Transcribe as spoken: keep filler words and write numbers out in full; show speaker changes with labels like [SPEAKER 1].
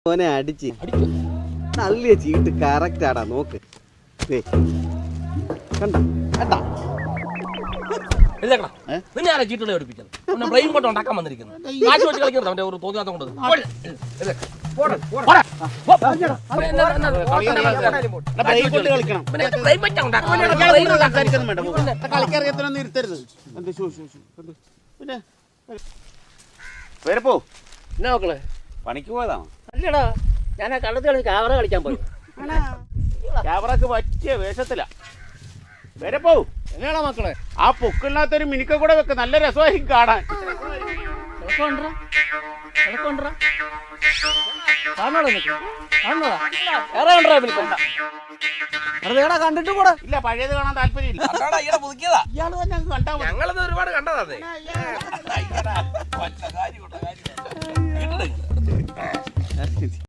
[SPEAKER 1] ഓനെ അടിച്ച് നല്ലിയ ചീട്ട് കറക്റ്റ് ആടാ നോക്ക് കണ്ട കണ്ടാ
[SPEAKER 2] നിന്നെ ആരാ ചീട്ടുകളെ പഠിപ്പിച്ചത് ബ്രെയിൻ കൊണ്ട് ഉണ്ടാക്കാൻ വന്നിരിക്കുന്നു കാശ് വെച്ച് കളിക്കുന്നത് അവന്റെ ഒരു തോന്നിയാത്തം കൊണ്ട്
[SPEAKER 1] വരപ്പോ
[SPEAKER 3] എന്നാ മക്കളെ
[SPEAKER 1] പണിക്ക് പോയതാണോ?
[SPEAKER 3] അല്ലടാ ഞാൻ ആ കള്ളത്ത് കളി ക്യാമറ കളിക്കാൻ പോയി.
[SPEAKER 1] ക്യാമറക്ക് പറ്റിയ വേഷത്തിലാ. വരപ്പോ
[SPEAKER 3] എന്നാടാ മക്കളെ
[SPEAKER 1] ആ പൊക്കില്ലാത്തൊരു മിനിക്ക കൂടെ വെക്ക, നല്ല രസമായിരിക്കും കാണാൻ.
[SPEAKER 3] കണ്ടിട്ട് കൂടെ
[SPEAKER 1] ഇല്ല, പഴയത് കാണാൻ താല്പര്യമില്ല. ഇയാള് തന്നെ കണ്ടാ മതി.
[SPEAKER 2] ഞങ്ങളത് ഒരുപാട് കണ്ടതാ.